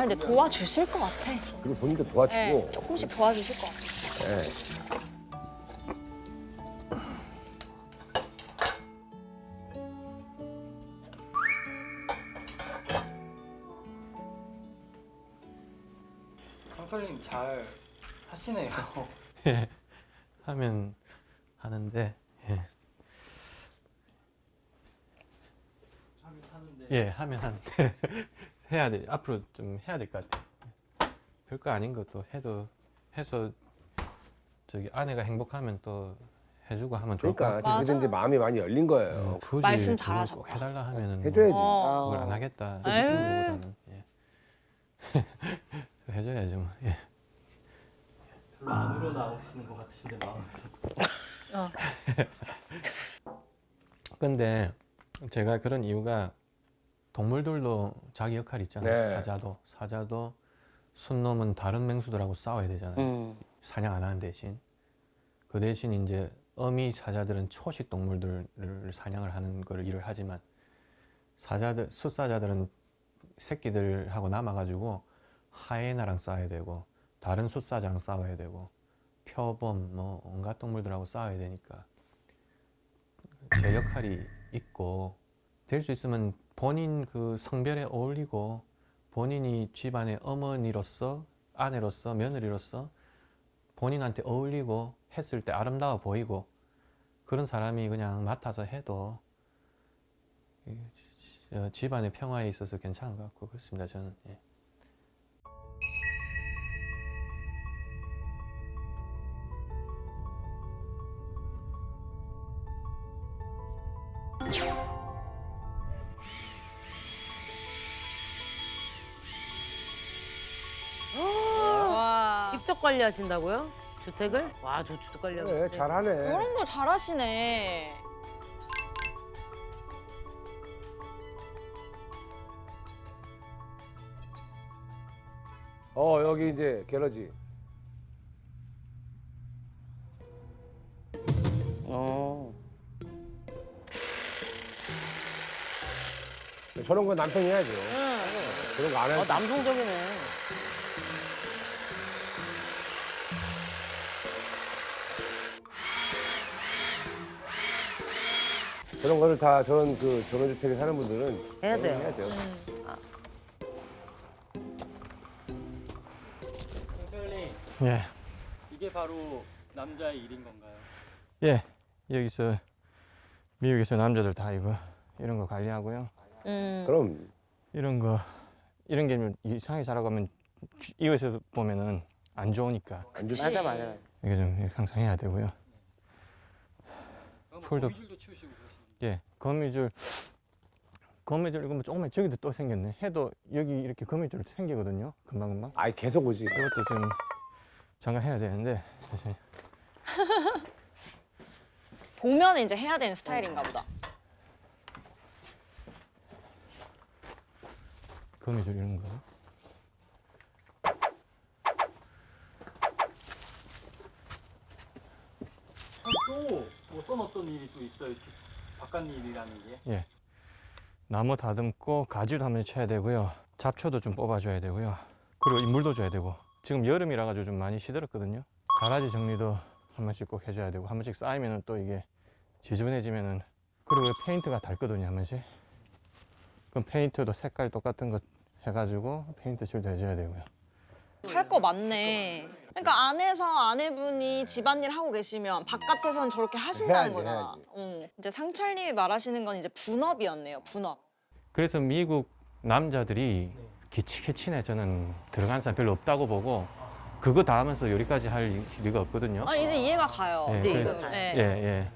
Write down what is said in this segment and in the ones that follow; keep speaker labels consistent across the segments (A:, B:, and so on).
A: 아니 근데 도와주실 것 같아.
B: 그리고 본인도 도와주고.
A: 네, 조금씩 도와주실 것 같아.
B: 네.
C: 상철님 잘 하시네요.
D: 예, 하면 하는데, 예. 예, 하면 하는데 해야 돼. 앞으로 좀 해야 될 것 같아. 별거 아닌 것도 해서 저기 아내가 행복하면 또 해주고 하면 좋을 것
B: 그러니까
D: 같아.
B: 그게 이제 마음이 많이 열린 거예요.
D: 굳이
A: 말씀
D: 그걸
A: 잘하셨다.
D: 꼭 해달라 하면은 뭐
B: 해줘야지.
D: 그걸 안 하겠다.
A: 에휴.
D: 그거보다는 예. 해줘야죠. 뭐. 예.
C: 별로 안 우러나오시는 것 같으신데 마음이.
D: 근데 제가 그런 이유가 동물들도 자기 역할이 있잖아요.
B: 네.
D: 사자도 순놈은 다른 맹수들하고 싸워야 되잖아요. 사냥 안 하는 대신. 그 대신 이제 어미 사자들은 초식 동물들을 사냥을 하는 걸 일을 하지만 숫사자들은 새끼들하고 남아가지고 하이에나랑 싸워야 되고 다른 숫사자랑 싸워야 되고 표범 뭐 온갖 동물들하고 싸워야 되니까 제 역할이 있고 될 수 있으면 본인 그 성별에 어울리고 본인이 집안의 어머니로서 아내로서 며느리로서 본인한테 어울리고 했을 때 아름다워 보이고 그런 사람이 그냥 맡아서 해도 집안의 평화에 있어서 괜찮은 것 같고 그렇습니다. 저는. 예.
A: 와.
E: 직접 관리하신다고요? 주택을? 와, 저 주택 관리하고.
B: 그래,
E: 있네.
B: 잘하네.
A: 이런 거 잘하시네.
B: 여기 이제 갤러지.
E: 어.
B: 저런 건 남편이 해야죠. 그런 거 안
E: 아,
B: 해도.
E: 남성적이네.
B: 저런 거를 다 저런 전원주택에 사는 분들은
E: 해야 돼요.
B: 해야 돼요.
C: 상철님
D: 예.
C: 이게 바로 남자의 일인 건가요?
D: 예. 여기서 미국에서 남자들 다 이런 거 관리하고요.
B: 그럼
D: 이런 게 이상하게 자라가면 이웃에서 보면은 안 좋으니까
B: 안 좋지.
E: 맞아, 맞아.
D: 이게 좀 항상 해야 되고요.
C: 뭐
D: 풀도-
C: 거미줄도 치우시고 그러시는데.
D: 예. 거미줄 이거 뭐 조금만 저기도 또 생겼네. 해도 여기 이렇게 거미줄 생기거든요. 금방금방.
B: 아이 계속 오지.
D: 이것도 좀 장가해야 되는데 사실
A: 보면 이제 해야 되는 스타일인가 보다.
D: 거미줄 이런 거.
C: 또 어떤 일이 또 있어요? 이렇게 바깥 일이라는 게?
D: 예. 나무 다듬고 가지도 한번 쳐야 되고요. 잡초도 좀 뽑아줘야 되고요. 그리고 이 물도 줘야 되고. 지금 여름이라 가지고 좀 많이 시들었거든요. 가라지 정리도 한 번씩 꼭 해줘야 되고 한 번씩 쌓이면은 또 이게 지저분해지면은 그리고 페인트가 닳거든요 한 번씩. 그럼 페인트도 색깔 똑같은 거 해가지고 페인트 칠도 해줘야 되고요.
A: 할 거 많네. 그러니까 안에서 아내분이 집안일 하고 계시면 바깥에서는 저렇게 하신다는
B: 해야지,
A: 거잖아.
B: 해야지.
A: 이제 상철님이 말하시는 건 이제 분업이었네요. 분업.
D: 그래서 미국 남자들이 기치개치네 저는 들어간 사람 별로 없다고 보고 그거 다 하면서 요리까지 할 리가 없거든요.
A: 아 이제 이해가 가요.
D: 예,
A: 지금.
E: 그래서-
A: 네.
D: 예, 예.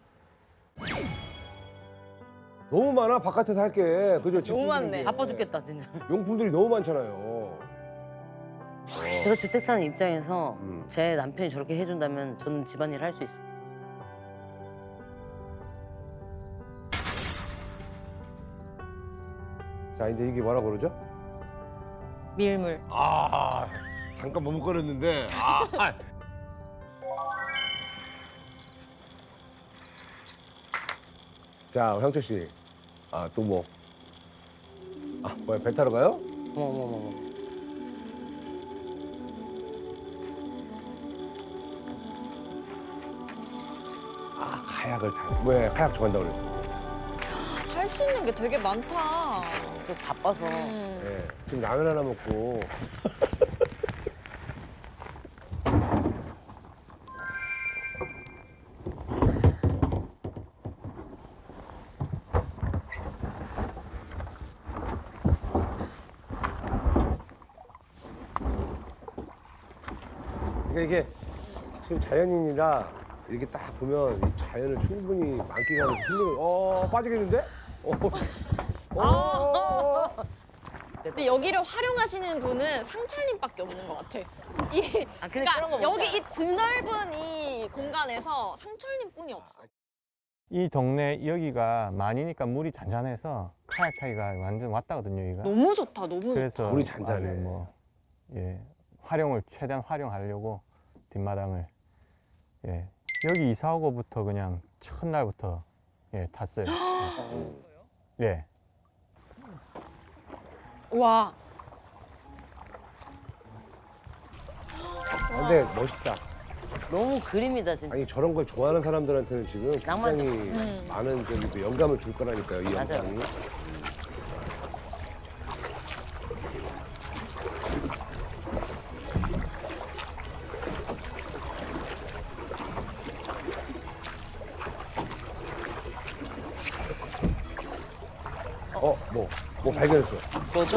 B: 너무 많아 바깥에서 할 게. 그죠?
A: 너무 많네.
E: 바빠 죽겠다, 진짜.
B: 용품들이 너무 많잖아요.
E: 제가 주택 사는 입장에서
B: 음.
E: 제 남편이 저렇게 해준다면 저는 집안일 할 수 있어요.
B: 자 이제 이게 뭐라고 그러죠?
A: 밀물.
B: 아 잠깐 머뭇거렸는데. 아. 자 형철 씨. 또 뭐? 뭐야 배 타러 가요?
E: 어머, 어머, 어머.
B: 아, 카약을 타. 왜 카약 좋아한다고 그랬어?
A: 할 수 있는 게 되게 많다.
E: 또 바빠서.
B: 네. 지금 라면 하나 먹고. 그러니까 이게 확실히 자연인이라 이렇게 딱 보면 이 자연을 충분히 만끽하면서 힐링을 빠지겠는데?
A: 근데 여기를 활용하시는 분은 상철님밖에 없는 것 같아. 이
E: 아, 근데 그런 거
A: 그러니까 여기
E: 뭔지
A: 이 드넓은 이 공간에서 상철님뿐이 없어.
D: 이 동네 여기가 많이니까 물이 잔잔해서 카약 타기가 완전 왔다거든요, 여기가.
A: 너무 좋다, 너무 좋다.
D: 그래서
B: 물이 잔잔해.
D: 아주 뭐 예, 최대한 활용하려고 뒷마당을 예. 여기 이사 오고부터 그냥 첫날부터 예, 탔어요. 예.
A: 와,
B: 근데 멋있다.
E: 너무 그림이다 진짜.
B: 아니 저런 걸 좋아하는 사람들한테는 지금
E: 낭만적.
B: 굉장히 많은 저기 또 영감을 줄 거라니까요, 이
E: 맞아요.
B: 영상이. 뭐 발견했어.
A: 뭐죠?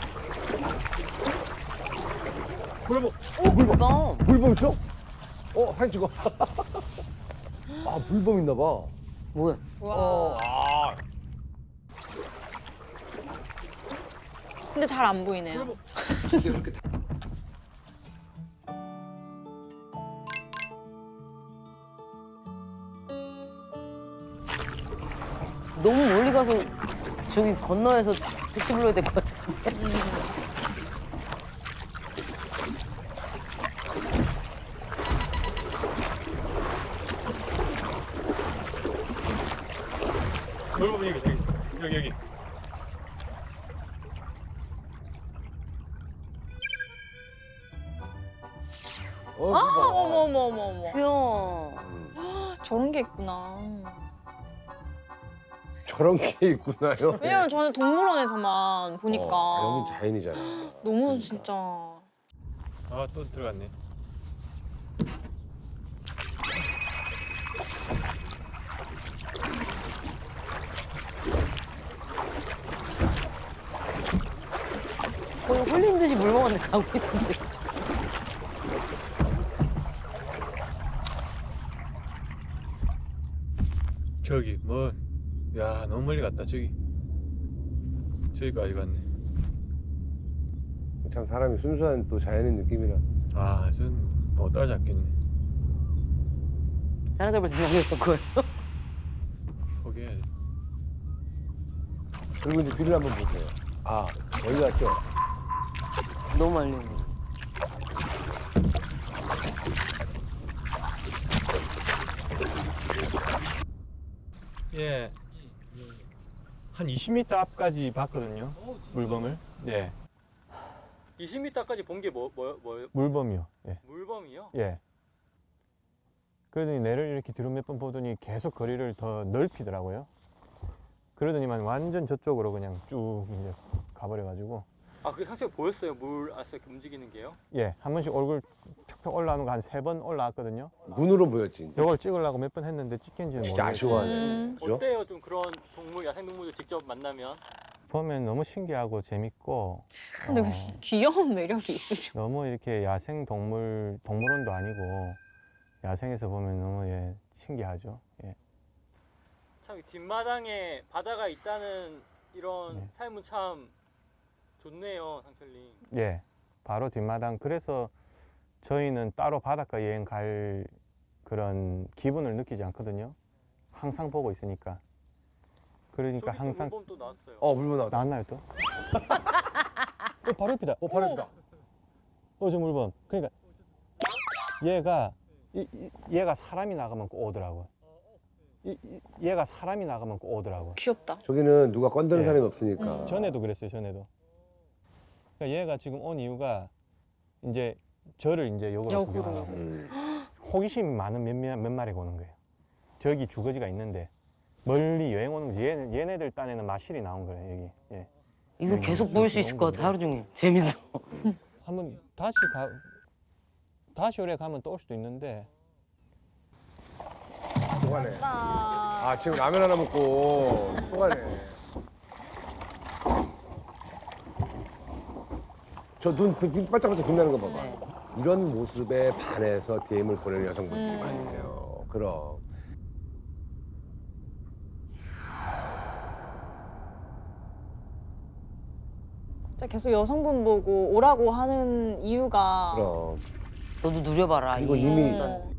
B: 물범!
E: 물범.
B: 물범 있어? 사진 찍어. 아, 물범 있나 봐.
E: 뭐야?
A: 와. 근데 잘 안 보이네요.
B: 이렇게
E: 너무 멀리 가서 저기 건너에서 택시 불러야 될 것 같은데.
C: 물범 여기.
B: 물범.
A: 어머.
E: 귀여워.
A: 저런 게 있구나.
B: 저런 게 있구나요.
A: 왜냐면 저는 동물원에서만 보니까
B: 여긴 자연이잖아.
A: 너무 진짜.
D: 아, 또 들어갔네.
E: 거의 홀린 듯이 물범한테 가고 있는데. 지금.
D: 저기 야, 너무 멀리 갔다. 저기까지 갔네.
B: 참 사람이 순수한 또 자연인 느낌이라.
D: 아, 전못 따라잡겠네.
E: 따라잡을 생각이었던 거예요.
D: 포기해야 돼.
B: 그리고 이제 뒤를 한번 보세요. 아, 여기 갔죠?
E: 너무 멀리.
D: 예. 한 20m 앞까지 봤거든요. 물범을. 예.
C: 20m까지 본 게 뭐요?
D: 물범이요. 예.
C: 물범이요?
D: 예. 그러더니 내를 이렇게 뒤로 몇 번 보더니 계속 거리를 더 넓히더라고요. 그러더니만 완전 저쪽으로 그냥 쭉 이제 가버려가지고.
C: 아, 그게 사실 보였어요? 물 안에서 이렇게 움직이는 게요?
D: 예. 한 번씩 얼굴 펴펴 올라오는 거 한 3번 올라왔거든요.
B: 눈으로 보였지, 이제.
D: 저걸 찍으려고 몇 번 했는데 찍힌지는
B: 진짜
D: 모르겠어요.
B: 아쉬워하네. 그죠?
C: 어때요? 좀 그런 동물, 야생동물들 직접 만나면?
D: 보면 너무 신기하고 재밌고.
A: 근데
D: 어,
A: 귀여운 매력이 있으셔.
D: 너무 이렇게 야생 동물원도 아니고 야생에서 보면 너무 예, 신기하죠. 예.
C: 참 이 뒷마당에 바다가 있다는 이런
D: 네.
C: 삶은 참 좋네요, 상철님.
D: 예. 바로 뒷마당. 그래서 저희는 따로 바닷가 여행 갈 그런 기분을 느끼지 않거든요. 항상 보고 있으니까. 그러니까
C: 저기
D: 항상
C: 물범 또 나왔어요.
B: 물범 나왔다.
D: 나왔나요 또? 바로 옆이다.
B: 바로 있다.
D: 저 물범. 그러니까 얘가 사람이 나가면 꼭 오더라고. 얘가 사람이 나가면 꼭 오더라고.
A: 귀엽다.
B: 저기는 누가 건드는
D: 예.
B: 사람이 없으니까.
D: 전에도 그랬어요. 전에도. 그러니까 얘가 지금 온 이유가 이제 저를 이제 역으로
A: 역으로.
D: 구경하라고. 호기심이 많은 몇 마리가 오는 거예요. 저기 주거지가 있는데 멀리 여행 오는 거지. 얘네들 딴에는 마실이 나온 거예요, 여기. 예.
E: 이거 계속 볼 수 있을 것 같아, 하루 종일. 재밌어.
D: 한번 다시 오래 가면 또 올 수도 있는데.
B: 또 가네.
A: 나
B: 아, 지금 라면 하나 먹고 또 가네. 저 눈 반짝반짝 빛나는 거 봐봐.
E: 네.
B: 이런 모습에 반해서 DM을 보내는 여성분들이 많대요. 그럼.
A: 진짜 계속 여성분 보고 오라고 하는 이유가
B: 그럼.
E: 너도 누려봐라.
B: 이거
E: 이
B: 이미-
E: 어떤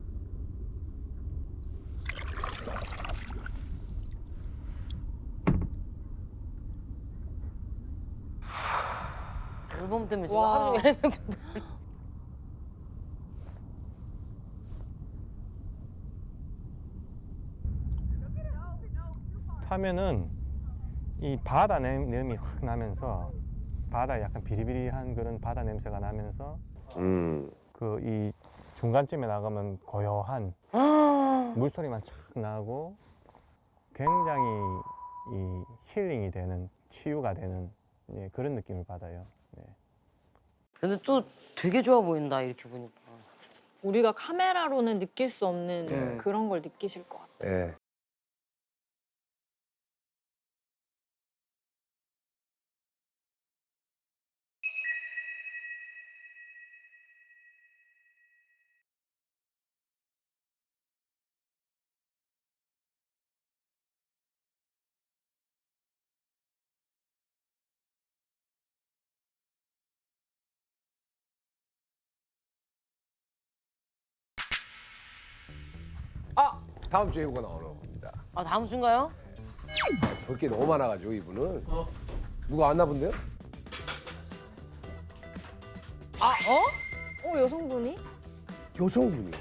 E: 물범 때문에 지금
A: 와.
E: 하루 종일 헤매고.
D: 타면은 이 바다 냄이 확 나면서 바다 약간 비리비리한 그런 바다 냄새가 나면서 그 이 중간쯤에 나가면 고요한 물소리만 착 나고 굉장히 이 힐링이 되는 치유가 되는 예, 그런 느낌을 받아요. 네.
E: 근데 또 되게 좋아 보인다, 이렇게 보니까.
A: 우리가 카메라로는 느낄 수 없는
B: 네.
A: 그런 걸 느끼실 것 같아.
B: 예. 아, 다음 주에 이거가 나오는 겁니다.
E: 아, 다음 주인가요?
B: 볼 게 너무 많아가지고 이분은 누가 왔나 본데요?
A: 여성분이?
B: 여성분이.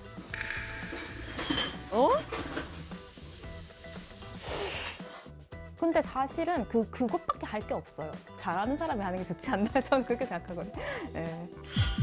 F: 근데 사실은 그것밖에 할 게 없어요. 잘하는 사람이 하는 게 좋지 않나요? 저는 그렇게 생각하거든요. 예.